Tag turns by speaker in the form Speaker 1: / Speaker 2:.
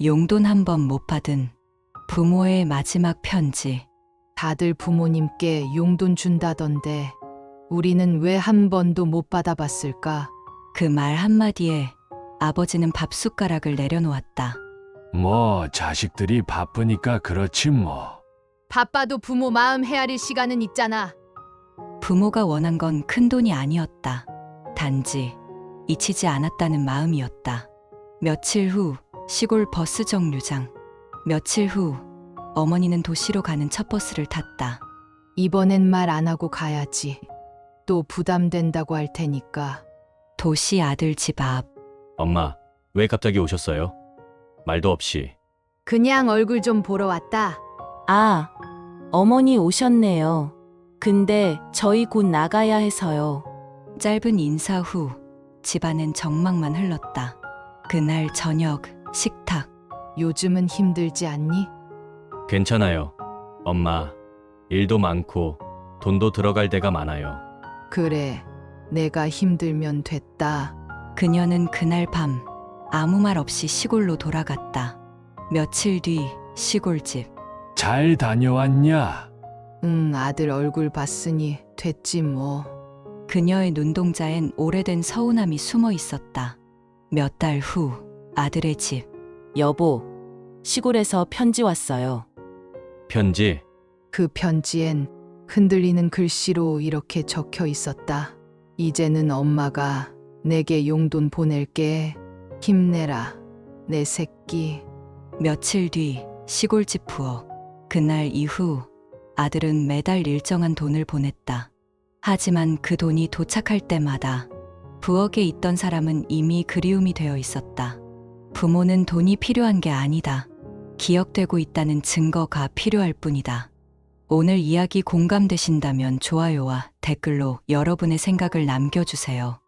Speaker 1: 용돈 한 번 못 받은 부모의 마지막 편지.
Speaker 2: 다들 부모님께 용돈 준다던데 우리는 왜 한 번도 못 받아봤을까?
Speaker 1: 그 말 한마디에 아버지는 밥숟가락을 내려놓았다.
Speaker 3: 뭐 자식들이 바쁘니까 그렇지 뭐.
Speaker 2: 바빠도 부모 마음 헤아릴 시간은 있잖아.
Speaker 1: 부모가 원한 건 큰돈이 아니었다. 단지 잊히지 않았다는 마음이었다. 며칠 후 시골 버스 정류장. 며칠 후 어머니는 도시로 가는 첫 버스를 탔다.
Speaker 2: 이번엔 말 안 하고 가야지. 또 부담된다고 할 테니까.
Speaker 1: 도시 아들 집 앞.
Speaker 4: 엄마, 왜 갑자기 오셨어요? 말도 없이.
Speaker 2: 그냥 얼굴 좀 보러 왔다.
Speaker 5: 아, 어머니 오셨네요. 근데 저희 곧 나가야 해서요.
Speaker 1: 짧은 인사 후 집안엔 정막만 흘렀다. 그날 저녁 식탁.
Speaker 2: 요즘은 힘들지 않니?
Speaker 4: 괜찮아요. 엄마, 일도 많고 돈도 들어갈 데가 많아요.
Speaker 2: 그래, 내가 힘들면 됐다.
Speaker 1: 그녀는 그날 밤 아무 말 없이 시골로 돌아갔다. 며칠 뒤 시골집.
Speaker 3: 잘 다녀왔냐?
Speaker 2: 응, 아들 얼굴 봤으니 됐지 뭐.
Speaker 1: 그녀의 눈동자엔 오래된 서운함이 숨어 있었다. 몇 달 후 아들의 집.
Speaker 5: 여보, 시골에서 편지 왔어요.
Speaker 4: 편지?
Speaker 2: 그 편지엔 흔들리는 글씨로 이렇게 적혀 있었다. 이제는 엄마가 내게 용돈 보낼게. 힘내라, 내 새끼.
Speaker 1: 며칠 뒤 시골집 부엌. 그날 이후 아들은 매달 일정한 돈을 보냈다. 하지만 그 돈이 도착할 때마다 부엌에 있던 사람은 이미 그리움이 되어 있었다. 부모는 돈이 필요한 게 아니다. 기억되고 있다는 증거가 필요할 뿐이다. 오늘 이야기 공감되신다면 좋아요와 댓글로 여러분의 생각을 남겨주세요.